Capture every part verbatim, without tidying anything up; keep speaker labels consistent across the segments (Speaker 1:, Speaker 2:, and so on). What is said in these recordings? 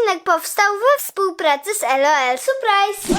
Speaker 1: odcinek powstał we współpracy z LOL Surprise.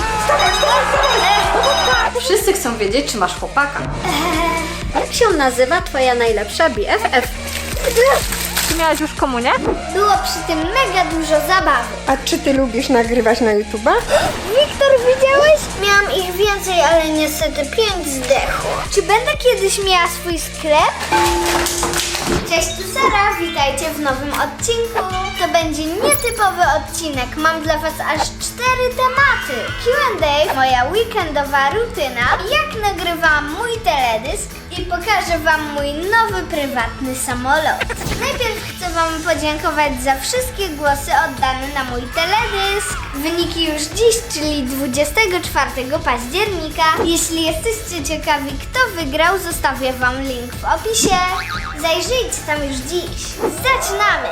Speaker 2: Wszyscy chcą wiedzieć, czy masz chłopaka.
Speaker 1: Jak się nazywa twoja najlepsza B F F?
Speaker 2: Czy miałaś już komunię?
Speaker 1: Było przy tym mega dużo zabawy.
Speaker 3: A czy ty lubisz nagrywać na YouTube'a?
Speaker 1: Wiktor, widziałeś? Miałam ich więcej, ale niestety pięć zdechło. Czy będę kiedyś miała swój sklep? Cześć, tu Sara, witajcie w nowym odcinku. To będzie nietypowy odcinek, mam dla was aż cztery tematy. Q and A, moja weekendowa rutyna, jak nagrywam mój teledysk i pokażę wam mój nowy prywatny samolot. Najpierw chcę wam podziękować za wszystkie głosy oddane na mój teledysk. Wyniki już dziś, czyli dwudziestego czwartego października. Jeśli jesteście ciekawi, kto wygrał, zostawię wam link w opisie. Zajrzyjcie tam już dziś. Zaczynamy!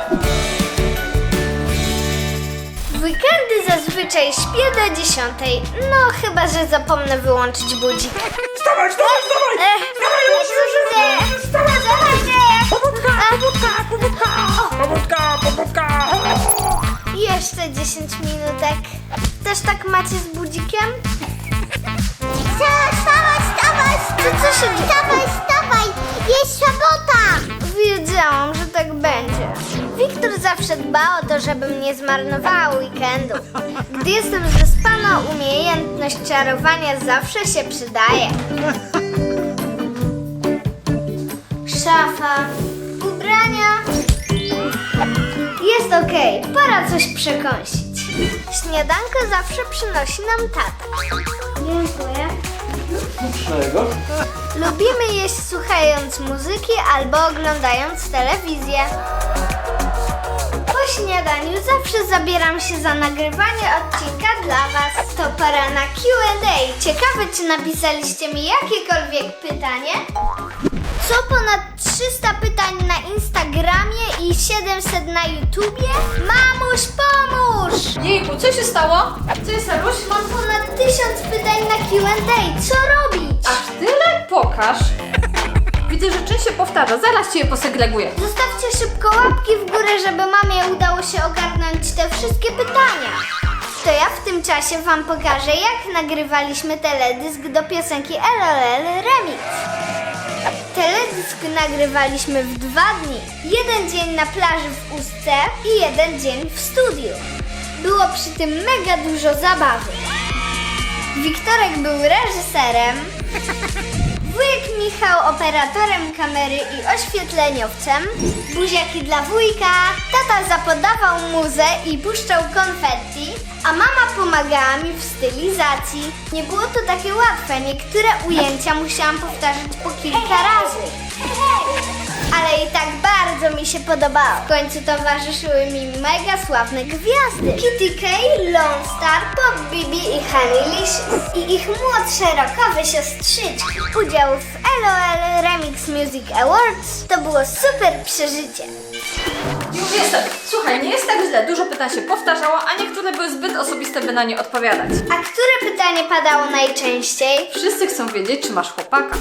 Speaker 1: W weekendy zazwyczaj śpię do dziesiątej, no chyba że zapomnę wyłączyć budzik.
Speaker 3: Wstawaj, wstawaj, wstawaj!
Speaker 1: Ech,
Speaker 3: Wstawaj,
Speaker 1: Wstawaj, wstawaj!
Speaker 3: Pobudka, pobudka, pobudka, pobudka, pobudka!
Speaker 1: Jeszcze dziesięć minutek. Też tak macie z budzikiem?
Speaker 4: Wstawaj, wstawaj!
Speaker 1: Co, co się dzieje?
Speaker 4: Wstawaj, wstawaj! Jest sobota!
Speaker 1: Wiedziałam, że tak będzie. Wiktor zawsze dba o to, żebym nie zmarnowała weekendu. Gdy jestem zaspana, umiejętność czarowania zawsze się przydaje. Szafa, ubrania. Jest okej, pora coś przekąsić. Śniadanko zawsze przynosi nam tata. Dziękuję.
Speaker 5: Czego?
Speaker 1: Lubimy jeść słuchając muzyki albo oglądając telewizję. Po śniadaniu zawsze zabieram się za nagrywanie odcinka dla was. To pora na Q and A. Ciekawe, czy napisaliście mi jakiekolwiek pytanie? Co ponad trzysta pytań na Instagramie i siedemset na YouTubie? Mamuś, pomóż!
Speaker 2: Jejku, co się stało? Co jest, Saruś?
Speaker 1: Mam ponad tysiąc pytań na Q and A. Co robić?
Speaker 2: Aż tyle? Pokaż. Widzę, że część się powtarza. Zaraz cię je posegreguję.
Speaker 1: Zostawcie szybko łapki w górę, żeby mamie udało się ogarnąć te wszystkie pytania. To ja w tym czasie wam pokażę, jak nagrywaliśmy teledysk do piosenki LOL Remix. Teledysk nagrywaliśmy w dwa dni. Jeden dzień na plaży w Ustce i jeden dzień w studiu. Było przy tym mega dużo zabawy. Wiktorek był reżyserem, wujek Michał operatorem kamery i oświetleniowcem, buziaki dla wujka, tata zapodawał muzę i puszczał konfetti, a mama pomagała mi w stylizacji. Nie było to takie łatwe, niektóre ujęcia musiałam powtarzać po kilka razy. Ale i tak bardzo mi się podobało. W końcu towarzyszyły mi mega sławne gwiazdy. Kitty K, Lone Star, Pop Bibi i Honeylicious. I ich młodsze rockowe siostrzyczki. Udział w LOL Remix Music Awards to było super przeżycie.
Speaker 2: Już jestem. Słuchaj, nie jest tak źle. Dużo pytań się powtarzało, a niektóre były zbyt osobiste, by na nie odpowiadać.
Speaker 1: A które pytanie padało najczęściej?
Speaker 2: Wszyscy chcą wiedzieć, czy masz chłopaka.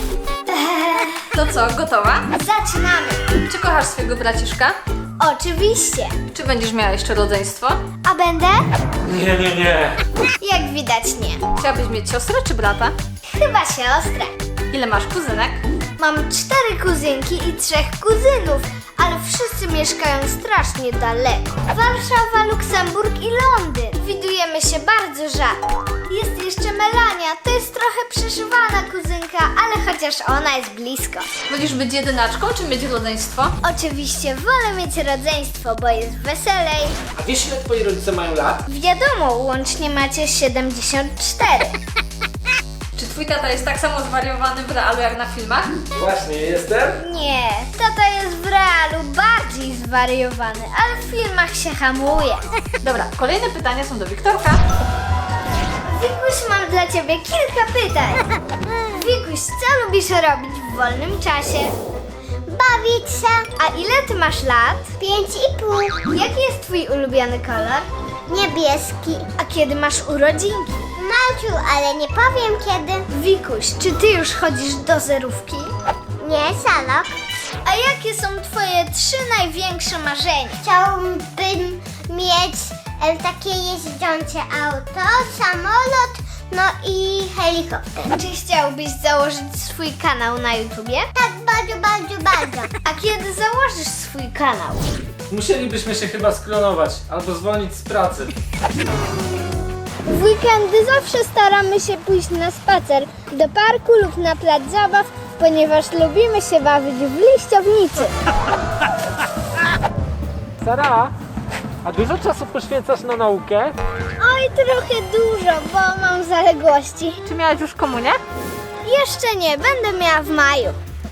Speaker 2: To co, gotowa?
Speaker 1: Zaczynamy.
Speaker 2: Czy kochasz swojego braciszka?
Speaker 1: Oczywiście.
Speaker 2: Czy będziesz miała jeszcze rodzeństwo?
Speaker 1: A będę?
Speaker 5: Nie, nie, nie.
Speaker 1: Jak widać nie.
Speaker 2: Chciałabyś mieć siostrę czy brata?
Speaker 1: Chyba siostrę.
Speaker 2: Ile masz kuzynek?
Speaker 1: Mam cztery kuzynki i trzech kuzynów, ale wszyscy mieszkają strasznie daleko. Warszawa, Luksemburg i Londyn. Widujemy się bardzo rzadko. Jest jeszcze Melania, to jest trochę przeszywana kuzynka, ale chociaż ona jest blisko.
Speaker 2: Wolisz być jedynaczką, czy mieć rodzeństwo?
Speaker 1: Oczywiście wolę mieć rodzeństwo, bo jest weselej.
Speaker 5: A wiesz, ile twoi rodzice mają lat?
Speaker 1: Wiadomo, łącznie macie siedemdziesiąt cztery.
Speaker 2: Czy twój tata jest tak samo zwariowany w realu jak na filmach?
Speaker 5: Właśnie, jestem.
Speaker 1: Nie, tata jest w realu bardziej zwariowany, ale w filmach się hamuje.
Speaker 2: Dobra, kolejne pytania są do Wiktorka.
Speaker 1: Wikuś, mam dla ciebie kilka pytań. Wikuś, co lubisz robić w wolnym czasie?
Speaker 4: Bawić się!
Speaker 1: A ile ty masz lat?
Speaker 4: Pięć i pół.
Speaker 1: Jaki jest twój ulubiony kolor?
Speaker 4: Niebieski.
Speaker 1: A kiedy masz urodzinki?
Speaker 4: Maciu, ale nie powiem kiedy.
Speaker 1: Wikuś, czy ty już chodzisz do zerówki?
Speaker 4: Nie, salok.
Speaker 1: A jakie są twoje trzy największe marzenia?
Speaker 4: Chciałbym mieć e, takie jeźdzące auto, samolot, no i helikopter.
Speaker 1: Czy chciałbyś założyć swój kanał na YouTubie?
Speaker 4: Tak, bardzo, bardzo, bardzo.
Speaker 1: A kiedy założysz swój kanał?
Speaker 5: Musielibyśmy się chyba sklonować albo zwolnić z pracy.
Speaker 1: W weekendy zawsze staramy się pójść na spacer do parku lub na plac zabaw, ponieważ lubimy się bawić w liściownicy.
Speaker 5: Sara, a dużo czasu poświęcasz na naukę?
Speaker 1: Oj, trochę dużo, bo mam zaległości.
Speaker 2: Czy miałaś już komunię?
Speaker 1: Jeszcze nie, będę miała w maju.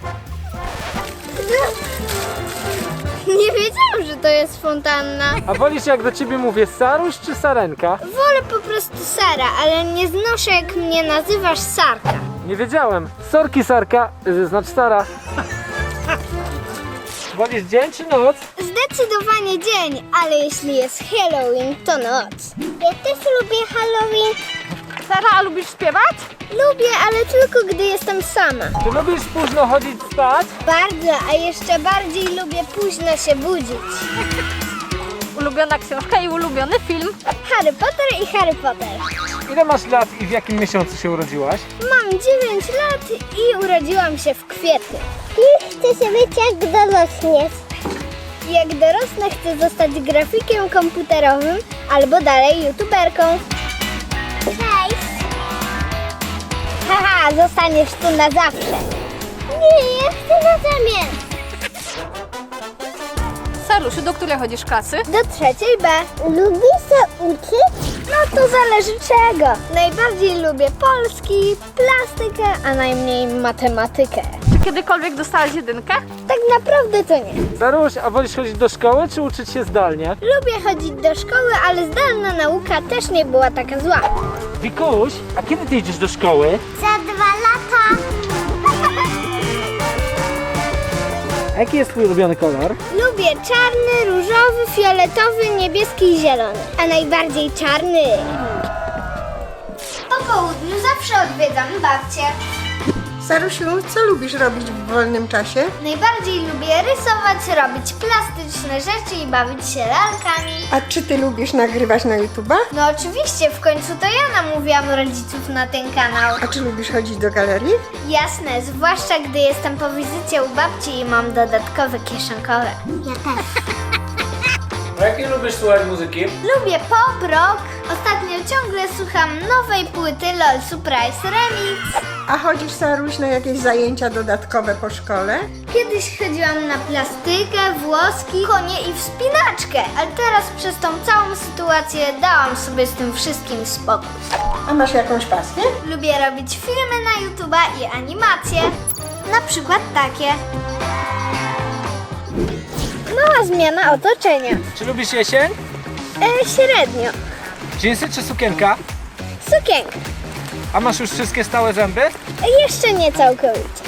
Speaker 1: Nie wiedziałam, że to jest fontanna.
Speaker 5: A wolisz, jak do ciebie mówię, Saruś czy Sarenka?
Speaker 1: Wolę po prostu Sara, ale nie znoszę, jak mnie nazywasz Sarka.
Speaker 5: Nie wiedziałem. Sorki, Sarka, yy, znaczy Sara. Wolisz dzień czy noc?
Speaker 1: Zdecydowanie dzień, ale jeśli jest Halloween, to noc.
Speaker 4: Ja też lubię Halloween.
Speaker 2: Sara, a lubisz śpiewać?
Speaker 1: Lubię, ale tylko gdy jestem sama.
Speaker 5: Czy lubisz późno chodzić spać?
Speaker 1: Bardzo, a jeszcze bardziej lubię późno się budzić.
Speaker 2: Ulubiona książka i ulubiony film.
Speaker 1: Harry Potter i Harry Potter.
Speaker 5: Ile masz lat i w jakim miesiącu się urodziłaś?
Speaker 1: Mam dziewięć lat i urodziłam się w kwietniu.
Speaker 4: I chcę się być jak dorosniesz.
Speaker 1: Jak dorosnę, chcę zostać grafikiem komputerowym albo dalej youtuberką.
Speaker 4: Cześć.
Speaker 1: Haha, zostaniesz tu na zawsze.
Speaker 4: Nie, ja chcę na zamian.
Speaker 2: Sarusiu, do której chodzisz klasy?
Speaker 1: Do trzeciej B.
Speaker 4: Lubisz się uczyć?
Speaker 1: No to zależy czego. Najbardziej lubię polski, plastykę, a najmniej matematykę.
Speaker 2: Czy kiedykolwiek dostałaś jedynkę?
Speaker 1: Tak naprawdę to nie.
Speaker 5: Saruś, a wolisz chodzić do szkoły czy uczyć się zdalnie?
Speaker 1: Lubię chodzić do szkoły, ale zdalna nauka też nie była taka zła.
Speaker 5: Wikuś, a kiedy ty idziesz do szkoły?
Speaker 4: Za dwa lata.
Speaker 5: A jaki jest twój ulubiony kolor?
Speaker 1: Lubię czarny, różowy, fioletowy, niebieski i zielony. A najbardziej czarny. Po południu zawsze odwiedzam babcię.
Speaker 3: Sarusiu, co lubisz robić w wolnym czasie?
Speaker 1: Najbardziej lubię rysować, robić plastyczne rzeczy i bawić się lalkami.
Speaker 3: A czy ty lubisz nagrywać na YouTuba?
Speaker 1: No oczywiście, w końcu to ja namówiłam rodziców na ten kanał.
Speaker 3: A czy lubisz chodzić do galerii?
Speaker 1: Jasne, zwłaszcza gdy jestem po wizycie u babci i mam dodatkowe kieszonkowe.
Speaker 4: Ja też.
Speaker 5: A jakie lubisz słuchać muzyki?
Speaker 1: Lubię pop, rock. Ostatnio ciągle słucham nowej płyty LOL Surprise Remix.
Speaker 3: A chodzisz, Saruś, na jakieś zajęcia dodatkowe po szkole?
Speaker 1: Kiedyś chodziłam na plastykę, włoski, konie i wspinaczkę, ale teraz przez tą całą sytuację dałam sobie z tym wszystkim spokój.
Speaker 3: A masz jakąś pasję?
Speaker 1: Lubię robić filmy na YouTube'a i animacje. Na przykład takie. Mała zmiana otoczenia.
Speaker 5: Czy lubisz jesień?
Speaker 1: E, średnio.
Speaker 5: Dżinsy czy sukienka?
Speaker 1: Sukienka.
Speaker 5: A masz już wszystkie stałe zęby?
Speaker 1: E, jeszcze nie całkowicie.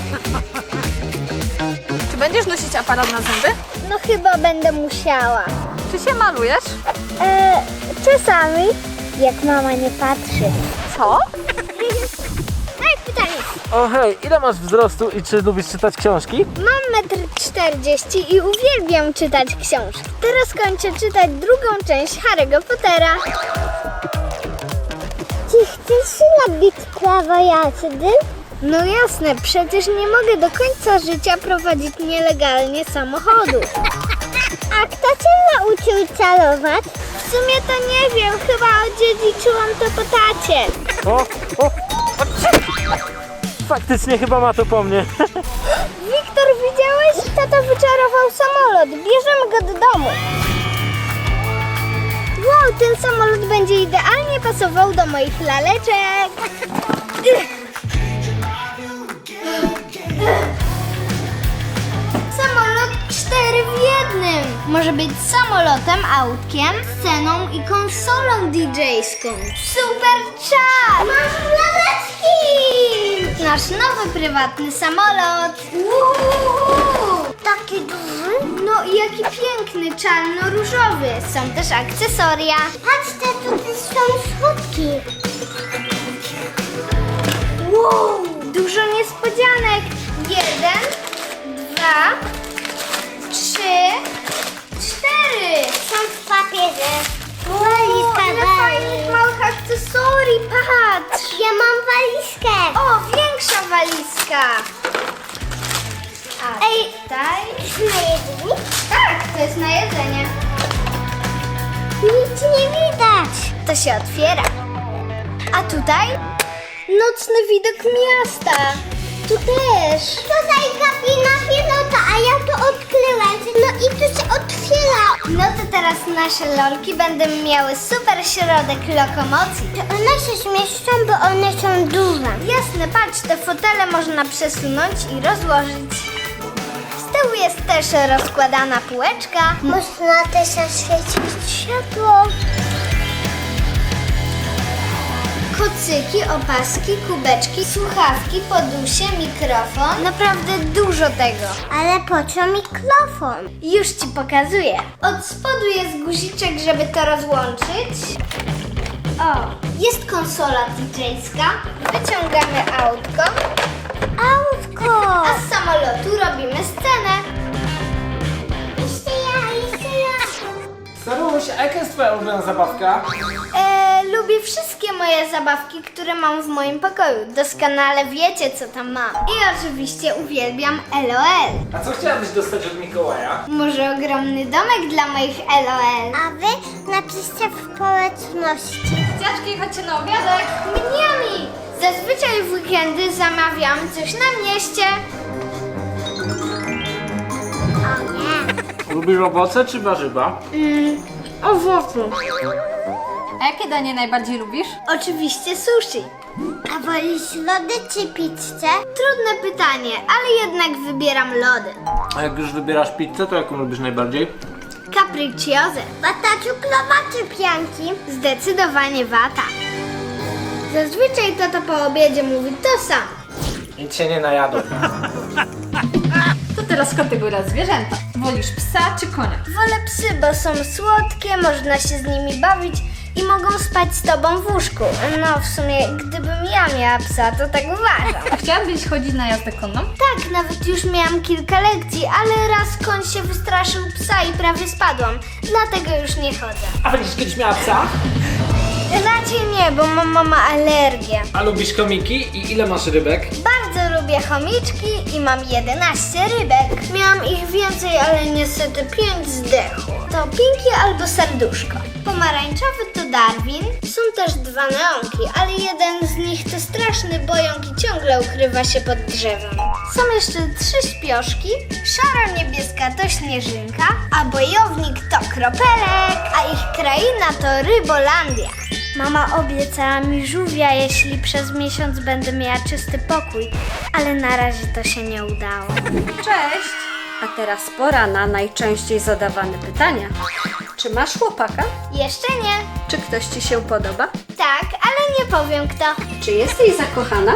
Speaker 2: Czy będziesz nosić aparat na zęby?
Speaker 1: No chyba będę musiała.
Speaker 2: Czy się malujesz?
Speaker 1: E, czasami, jak mama nie patrzy.
Speaker 2: Co?
Speaker 1: Daj pytanie.
Speaker 5: O hej, ile masz wzrostu i czy lubisz czytać książki?
Speaker 1: Mam metr czterdzieści i uwielbiam czytać książki. Teraz kończę czytać drugą część Harry'ego Pottera.
Speaker 4: Czy chcesz robić prawo jazdy?
Speaker 1: No jasne, przecież nie mogę do końca życia prowadzić nielegalnie samochodu.
Speaker 4: A kto cię nauczył celować?
Speaker 1: W sumie to nie wiem, chyba odziedziczyłam to po tacie.
Speaker 5: O, o, o. Faktycznie chyba ma to po mnie.
Speaker 1: Wiktor, widziałeś? Tata wyczarował samolot. Bierzemy go do domu. Wow, ten samolot będzie idealnie pasował do moich laleczek. Samolot cztery w jednym. Może być samolotem, autkiem, sceną i konsolą didżejską. Super czas! Masz laleczki! Nasz nowy prywatny samolot. Uuu,
Speaker 4: Taki duży?
Speaker 1: no i jaki piękny, czarno-różowy. Są też akcesoria.
Speaker 4: Patrzcie, tutaj są słodki.
Speaker 1: Wow, dużo niespodzianek. Jeden, dwa, trzy, cztery.
Speaker 4: Są w papierze. Walizka.
Speaker 1: patrz!
Speaker 4: Ja mam walizkę.
Speaker 1: O, większa walizka! A
Speaker 4: Ej.
Speaker 1: tutaj...
Speaker 4: Na jedzenie?
Speaker 1: Tak, to jest na jedzenie.
Speaker 4: Nic nie widać.
Speaker 1: To się otwiera. A tutaj? Nocny widok miasta. Tu też.
Speaker 4: Tutaj kabina pilota, a ja to odkryłem. No i tu się otwiera.
Speaker 1: No to teraz nasze lolki będą miały super środek lokomocji.
Speaker 4: To one się zmieszczą, bo one są duże.
Speaker 1: Jasne, patrz, te fotele można przesunąć i rozłożyć. Z tyłu jest też rozkładana półeczka.
Speaker 4: Można też zaświecić światło.
Speaker 1: Kocyki, opaski, kubeczki, słuchawki, podusie, mikrofon. Naprawdę dużo tego.
Speaker 4: Ale po co mikrofon?
Speaker 1: Już ci pokazuję. Od spodu jest guziczek, żeby to rozłączyć. O, jest konsola didżejska. Wyciągamy autko,
Speaker 4: Autko.
Speaker 1: a z samolotu robimy scenę.
Speaker 4: Jeszcze ja, jeszcze ja.
Speaker 5: Saruś, a jaka jest twoja ulubiona zabawka?
Speaker 1: E, lubię wszystkie moje zabawki, które mam w moim pokoju. Doskonale wiecie, co tam mam. I oczywiście uwielbiam LOL.
Speaker 5: A co chciałabyś dostać od Mikołaja?
Speaker 1: Może ogromny domek dla moich LOL.
Speaker 4: A wy napiszcie w społeczności.
Speaker 2: Dziaczki, chodźcie na obiadek.
Speaker 1: Mniami! Zazwyczaj w weekendy zamawiam coś na mieście.
Speaker 4: O nie.
Speaker 5: Lubisz owoce czy warzywa?
Speaker 1: Mm, owoce.
Speaker 2: A jakie danie najbardziej lubisz?
Speaker 1: Oczywiście sushi.
Speaker 4: A wolisz lody czy pizzę?
Speaker 1: Trudne pytanie, ale jednak wybieram lody.
Speaker 5: A jak już wybierasz pizzę, to jaką lubisz najbardziej?
Speaker 1: Capricciosa.
Speaker 4: Wata cukrowa czy pianki?
Speaker 1: Zdecydowanie wata. Zazwyczaj tata po obiedzie mówi to samo.
Speaker 5: Nic się nie najadł.
Speaker 2: To teraz kategoria zwierzęta. Wolisz psa czy konia?
Speaker 1: Wolę psy, bo są słodkie, można się z nimi bawić i mogą spać z tobą w łóżku. No w sumie, gdybym ja miała psa, to tak uważam.
Speaker 2: A chciałabyś chodzić na jazdę konną?
Speaker 1: Tak, nawet już miałam kilka lekcji, ale raz koń się wystraszył psa i prawie spadłam. Dlatego już nie chodzę.
Speaker 5: A będziesz kiedyś miała psa?
Speaker 1: Raczej nie, bo mam mama alergię.
Speaker 5: A lubisz komiki i ile masz rybek?
Speaker 1: Bardzo lubię chomiczki i mam jedenaście rybek. Miałam ich więcej, ale niestety pięć zdechło. To Pinki albo Serduszko. Pomarańczowy to Darwin. Są też dwa neonki, ale jeden z nich to straszny bojąk i ciągle ukrywa się pod drzewem. Są jeszcze trzy śpioszki. Szaro-niebieska to Śnieżynka, a bojownik to Kropelek, a ich kraina to Rybolandia. Mama obiecała mi żółwia, jeśli przez miesiąc będę miała czysty pokój, ale na razie to się nie udało.
Speaker 2: Cześć! A teraz pora na najczęściej zadawane pytania. Czy masz chłopaka?
Speaker 1: Jeszcze nie.
Speaker 2: Czy ktoś ci się podoba?
Speaker 1: Tak, ale nie powiem kto.
Speaker 2: Czy jesteś zakochana?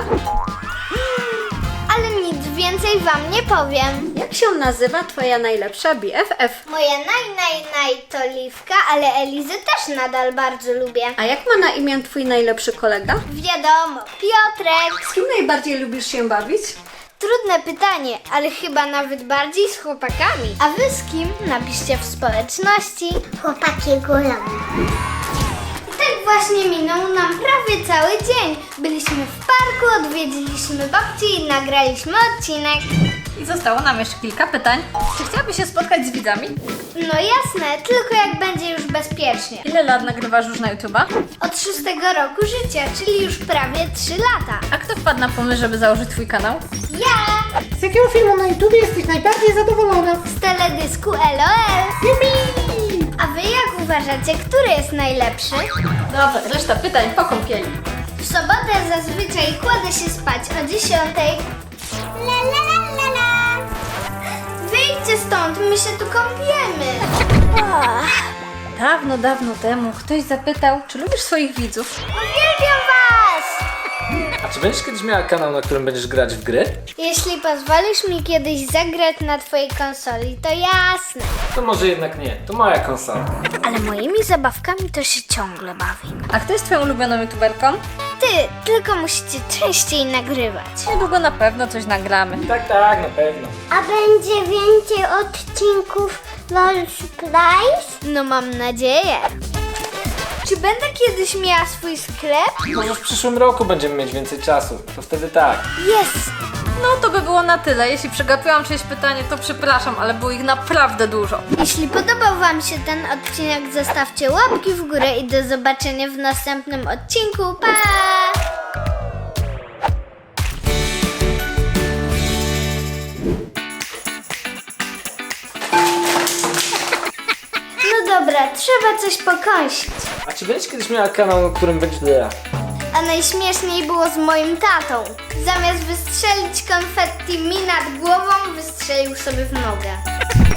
Speaker 1: Ale nic więcej wam nie powiem.
Speaker 2: Jak się nazywa twoja najlepsza B F F?
Speaker 1: Moja naj, naj, naj to Liwka, ale Elizę też nadal bardzo lubię.
Speaker 2: A jak ma na imię twój najlepszy kolega?
Speaker 1: Wiadomo, Piotrek.
Speaker 2: Z kim najbardziej lubisz się bawić?
Speaker 1: Trudne pytanie, ale chyba nawet bardziej z chłopakami. A wy z kim? Napiszcie w społeczności.
Speaker 4: Chłopaki górą.
Speaker 1: I tak właśnie minął nam prawie cały dzień. Byliśmy w parku, odwiedziliśmy babcię i nagraliśmy odcinek.
Speaker 2: I zostało nam jeszcze kilka pytań. Czy chciałabyś się spotkać z widzami?
Speaker 1: No jasne, tylko jak będzie już bezpiecznie.
Speaker 2: Ile lat nagrywasz już na YouTube'a?
Speaker 1: Od szóstego roku życia, czyli już prawie trzy lata.
Speaker 2: A kto wpadł na pomysł, żeby założyć twój kanał?
Speaker 1: Ja
Speaker 3: Z jakiego filmu na YouTubie jesteś najbardziej zadowolona?
Speaker 1: z teledysku LOL.
Speaker 3: Jupi!
Speaker 1: A wy jak uważacie, który jest najlepszy?
Speaker 2: Dobra, reszta pytań po kąpieli.
Speaker 1: W sobotę zazwyczaj kładę się spać o dziesiątej.
Speaker 4: La la la la la.
Speaker 1: Wyjdźcie stąd, my się tu kąpiemy.
Speaker 2: Dawno, dawno temu ktoś zapytał, czy lubisz swoich widzów?
Speaker 1: Uwielbiam was!
Speaker 5: A czy będziesz kiedyś miała kanał, na którym będziesz grać w gry?
Speaker 1: Jeśli pozwolisz mi kiedyś zagrać na twojej konsoli, to jasne.
Speaker 5: To może jednak nie, to moja konsola.
Speaker 1: Ale moimi zabawkami to się ciągle bawi.
Speaker 2: A kto jest twoją ulubioną youtuberką?
Speaker 1: Ty, tylko musicie częściej nagrywać.
Speaker 2: Niedługo na pewno coś nagramy.
Speaker 5: Tak, tak, na pewno.
Speaker 4: A będzie więcej odcinków LOL Surprise?
Speaker 1: No mam nadzieję. Czy będę kiedyś miała swój sklep?
Speaker 5: Może w przyszłym roku będziemy mieć więcej czasu, to wtedy tak.
Speaker 1: Jest!
Speaker 2: No to by było na tyle. Jeśli przegapiłam czyjeś pytanie, to przepraszam, ale było ich naprawdę dużo.
Speaker 1: Jeśli podobał Wam się ten odcinek, zostawcie łapki w górę i do zobaczenia w następnym odcinku. Pa! No dobra, trzeba coś pokąsić.
Speaker 5: A czy będziesz kiedyś miała kanał, na którym będzie...
Speaker 1: A najśmieszniej było z moim tatą. Zamiast wystrzelić konfetti mi nad głową, wystrzelił sobie w nogę.